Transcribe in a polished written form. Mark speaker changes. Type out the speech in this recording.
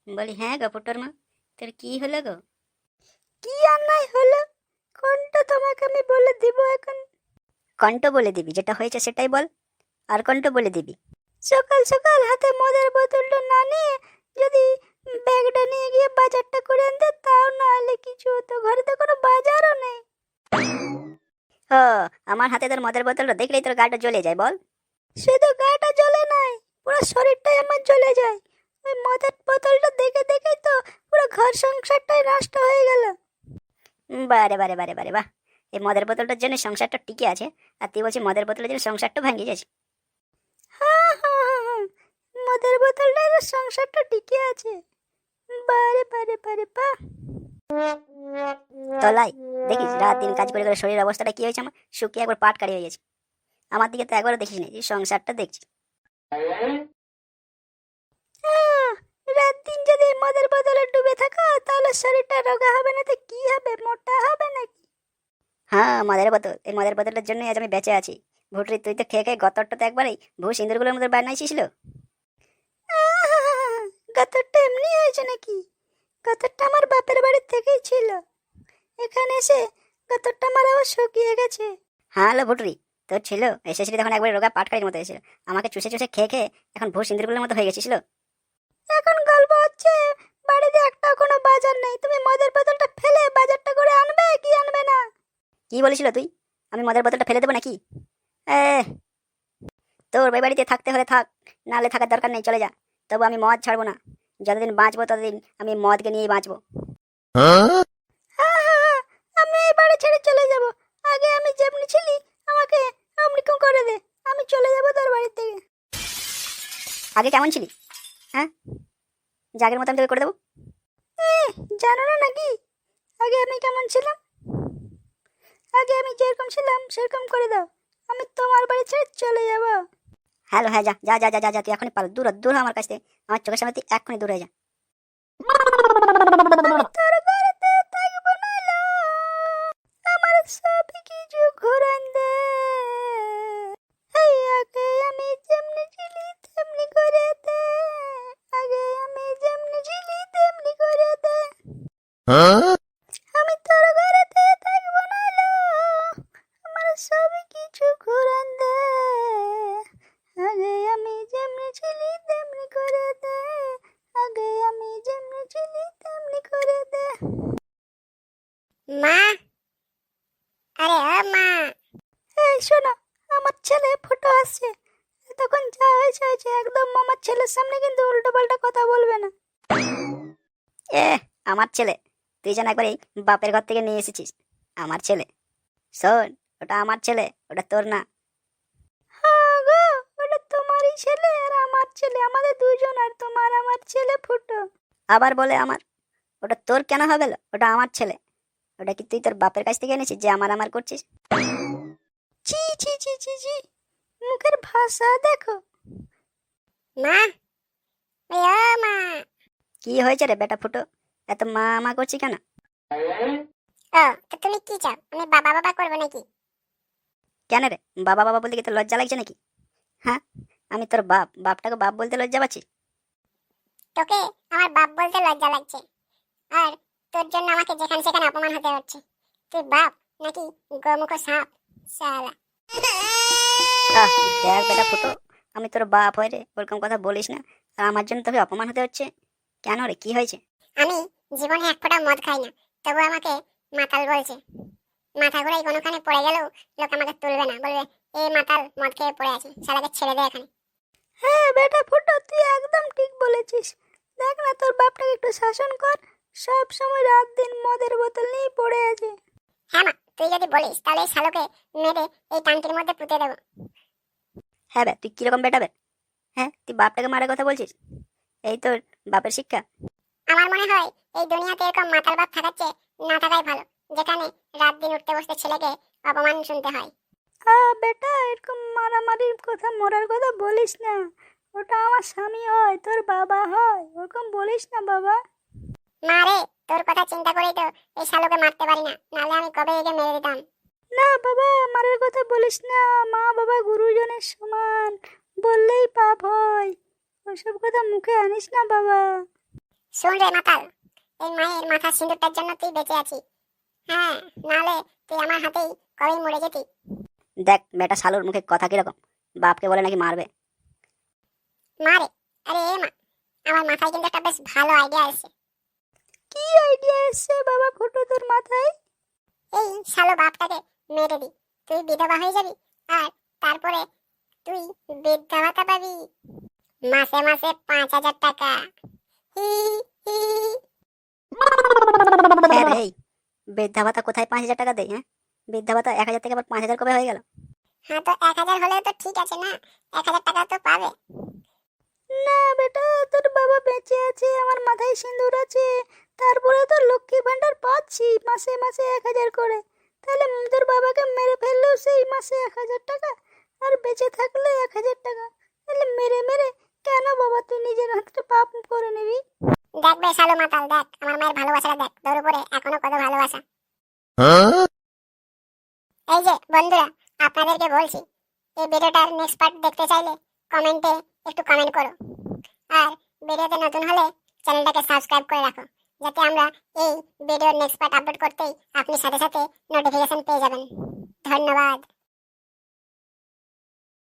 Speaker 1: বলি, হ্যাঁ গো পুটোর মা, তোর কি হলো গো?
Speaker 2: কি অন্যায় হলো? কোনটা তোমাকে আমি বলে দিব এখন?
Speaker 1: কণ্ঠ বলে দিবি, যেটা হয়েছে সেটাই বল। আর কণ্ঠ বলে দিবি?
Speaker 2: সকাল সকাল হাতে মদের বোতলটা না নিয়ে যদি ব্যাগটা নিয়ে গিয়ে বাজারটা করে আনতে, তাও না হলে কিছু হতো। ঘরে তো কোনো বাজারও নেই।
Speaker 1: ও, আমার হাতে তোর মদের বোতলটা দেখলেই তোর গাটা জ্বলে যায় বল?
Speaker 2: শুধু গাটা জ্বলে নাই, পুরো শরীরটাই আমার জ্বলে যায়। ওই মদের বোতলটা দেখে দেখেই তো পুরো ঘর সংসারটাই নষ্ট হয়ে গেল।
Speaker 1: বারে বারে বারে বারে বাহ! এই মদের বোতলটার জন্য সংসারটা টিকে আছে, আর তুই বলছিস মদের বোতলের জন্য সংসারটা ভেঙে গেছে।
Speaker 2: হ্যাঁ হ্যাঁ হ্যাঁ হ্যাঁ, মদের বোতলটাই তো সংসারটা টিকে আছে। বারে বারে বারে বাহ!
Speaker 1: তলাই, দেখিস রাত দিন কাজ করে করে শরীরের অবস্থাটা কি হয়েছে আমার, শুকিয়ে একবার পাট কারি হয়ে গেছে। আমার দিকে তো একবারও দেখিস না, যে সংসারটা দেখছি।
Speaker 2: আহ, রাত দিন যদি এই মদের বোতলে ডুবে থাকো, তাহলে শরীরটা রোগা হবে না তো কি হবে? মোটা হবে নাকি?
Speaker 1: হ্যাঁ, মদের বোতল, এই মদের বোতলটার জন্যই আজ আমি বেঁচে আছি। ভুটরি, তুই তো খেয়ে খেয়ে গতরটা তো একবারেই ভূ সিন্দুরগুলোর মধ্যে বানাইছিস।
Speaker 2: আহ, গতরটা এমনি হয়েছে নাকি? গতরটা আমার বাপের বাড়ির থেকেই ছিল। এখানে এসে গতরটা আমার আবার শুকিয়ে গেছে।
Speaker 1: হ্যাঁ হলো ভুটরি, তোর ছিল এসেছিলি তখন একবার রোগা পাটকারির মতো এসেছিল। আমাকে চুষে চুষে খেয়ে খেয়ে এখন ভূ সিন্দুরগুলোর মতো হয়ে গেছিস।
Speaker 2: এখন গল্প হচ্ছে বাড়িতে একটাও কোনো বাজার নেই, তুমি মদের বোতলটা ফেলে বাজারটা করে আনবে কি আনবে না?
Speaker 1: কি বলেছিল তুই? আমি মদের বোতলটা ফেলে দেবো নাকি? এ, তোর ওই বাড়িতে থাকতে হলে থাক, নাহলে থাকার দরকার নেই, চলে যা। তবু আমি মদ ছাড়বো না। যতদিন বাঁচবো ততদিন আমি মদকে নিয়েই বাঁচবো।
Speaker 2: হ্যাঁ হ্যাঁ হ্যাঁ, আমি এই বাড়ি ছেড়ে চলে যাব। আগে আমি যেমনি ছিলি আমাকে অমনিকম করে দে, আমি চলে যাব তোর বাড়ি থেকে।
Speaker 1: আগে কেমন ছিলি? হ্যাঁ, জাগের মতো আমি তোকে করে দেবো।
Speaker 2: এ, জানো না নাকি আগে আমি কেমন ছিলাম? আগে আমি যেরকম ছিলাম সেরকম করে দাও, আমি তোমার বাড়ি ছেড়ে চলে যাব।
Speaker 1: হ্যালো, হ্যাঁ, যা যা যা যা যা যা, তুই এখনই পালো, দূর হ, দূর হ আমার কাছ থেকে। আমার চোখের সামনে তুই এক্ষুনি দূর হয়ে যা।
Speaker 2: আমি তোর বাড়িতে থাকবো না লো, আমার সব কিছু ঘুরান দে। এই আগে আমি যেমনি ছিলি তেমনি করে দে, আগে আমি যেমনি ছিলি তেমনি করে দে। আমি তোর ঘরেতে থাকবো না লো, আমার সব কিছু ঘুরান দে। আগে আমি যেমনি ছিলি তেমনি করে দে, আগে আমি যেমনি ছিলি তেমনি করে দে।
Speaker 3: মা, আরে ও মা।
Speaker 2: এই শোনো, আমার ছেলে ফুটো আসছে। তখন যা হয়েছে হয়েছে, একদম আমার ছেলের সামনে কিন্তু উল্টো পাল্টা কথা বলবে না।
Speaker 1: এ, আমার ছেলে? তুই যেন একবার এই বাপের ঘর থেকে নিয়ে এসেছিস আমার ছেলে। শোন, ওটা আমার ছেলে, ওটা তোর না।
Speaker 2: হ্যাঁ গো, ওটা তোমারই ছেলে আর আমার ছেলে, আমাদের দুজন, আর তোমার আমার ছেলে ফুটো।
Speaker 1: আবার বলে আমার? ওটা তোর কেন হবে? ওটা আমার ছেলে। ওটা কি তুই তোর বাপের কাছ থেকে এনেছিস যে আমার আমার করছিস?
Speaker 2: ছি ছি ছি ছি ছি, মুখের ভাষা দেখো।
Speaker 3: মা, ওই ও মা।
Speaker 1: কি হয়েছে রে বেটা ফুটো, এত মা মা করছি কেন?
Speaker 3: ও, তো তুমি কি চাও, আমি বাবা বাবা করবো নাকি?
Speaker 1: কেন রে, বাবা বাবা বলতে কি তোর লজ্জা লাগছে নাকি? হ্যাঁ, আমি তোর বাপ, বাপটাকে বাপ বলতে লজ্জা পাচ্ছি?
Speaker 3: তোকে আমার বাপ বলতে লজ্জা লাগছে, আর তোর জন্য আমাকে যেখানে সেখানে অপমান হতে হচ্ছে। তুই বাপ নাকি গোমুখ সাপ শালা।
Speaker 1: আহ, দেখ বেটা ফুটো, আমি তোর বাপ হয় রে, ওরকম কথা বলিস না। আর আমার জন্য তোকে অপমান হতে হচ্ছে কেন রে, কি হয়েছে?
Speaker 3: আমি জীবনে এক ফোঁটা মদ খাই না, তবু আমাকে মাতাল বলছে। মাথা ঘুরাই কোনোখানে পড়ে গেলেও লোক আমাকে তুলবে না, বলবে এই মাতাল মদ খেয়ে পড়ে আছে, শালাকে ছেড়ে দে এখানে।
Speaker 2: হ্যাঁ বেটা ফুটো, তুই একদম ঠিক বলেছিস। দেখ না, তোর বাপটাকে একটু শাসন কর। সব সময় রাত দিন মদের বোতল নিয়ে পড়ে আছে।
Speaker 3: হ্যাঁ মা, তুই যদি বলিস তাহলে এই শালোকে মেরে এই টাঙ্কির মধ্যে পুঁতে দেবো।
Speaker 1: হ্যাঁ বে, তুই কিরকম বেটা বে? হ্যাঁ, তুই বাপটাকে মারার কথা বলছিস? এই তোর বাপের শিক্ষা?
Speaker 3: আমার মনে হয় এই দুনিয়াতে এরকম মাতাল বাপ থাকার চেয়ে না থাকাই ভালো, যেখানে রাত দিন উঠতে বসতে ছেলেকে অপমান শুনতে হয়।
Speaker 2: বেটা, এরকম মারামারির কথা মরার কথা বলিস না। ওটা আমার স্বামী হয়, তোর বাবা হয়, ওরকম বলিস না বাবা।
Speaker 3: মা রে, তোর কথা চিন্তা করেই তো এই শালোকে মারতে পারি না, নাহলে আমি কবে একে মেরে দিতাম।
Speaker 2: না বাবা, মারার কথা বলিস না। মা বাবা গুরুজনের সমান, বললেই পাপ হয়। ওসব কথা মুখে আনিস না বাবা।
Speaker 3: শোন রে মাতাল, এই মায়ের মাথার সিঁদুরটার জন্য তুই বেঁচে আছিস। হ্যাঁ, নাহলে তুই আমার হাতেই কবেই মরে যেতি।
Speaker 1: দেখ বেটা শালুর মুখে কথা কিরকম, বাপকে বলে নাকি মারবে।
Speaker 3: মারে, আরে এ মা, আমার মাথায় কিন্তু একটা বেশ ভালো আইডিয়া এসেছে।
Speaker 2: কি আইডিয়া এসছে বাবা ফুটো তোর মাথায়?
Speaker 3: এই শালো বাপটাকে মেরে দি, তুই বিধবা হয়ে যাবি, আর তারপরে তুই বৃদ্ধা ভাতা পাবি, মাসে মাসে 5,000 টাকা। হি হি।
Speaker 1: হ্যাঁ রে, এই বৃদ্ধা ভাতা কোথায় 5,000 টাকা দেয়? হ্যাঁ, বৃদ্ধা ভাতা 1,000 থেকে আবার 5,000 কবে হয়ে গেল?
Speaker 3: হ্যাঁ, তো 1,000 হলেও তো ঠিক আছে না, 1,000 টাকা তো পাবে।
Speaker 2: না বেটা, তোর বাবা বেঁচে আছে, আমার মাথায় সিঁদুর আছে, তারপরে তো লক্ষ্মী ভান্ডার পাচ্ছি মাসে মাসে 1,000 করে। তাহলে তোর বাবাকে মেরে ফেললেও সেই মাসে 1,000 টাকা, আর বেঁচে থাকলে 1,000 টাকা। তাহলে মেরে মেরে কেন বাবা তুই নিজের হাতে পাপ করে নিবি?
Speaker 3: দেখ বে শালো মাতাল, দেখ আমার মায়ের ভালোবাসাটা দেখ, তোর উপরে এখনো কত ভালোবাসা। এই যে বন্ধুরা, আপনাদেরকে বলছি, এই ভিডিওটার নেক্সট পার্ট দেখতে চাইলে কমেন্টে একটু কমেন্ট করো, আর ভিডিওতে নতুন হলে চ্যানেলটাকে সাবস্ক্রাইব করে রাখো, যাতে আমরা এই ভিডিওর নেক্সট পার্ট আপলোড করতেই আপনি সাথে সাথে নোটিফিকেশন পেয়ে যাবেন। ধন্যবাদ।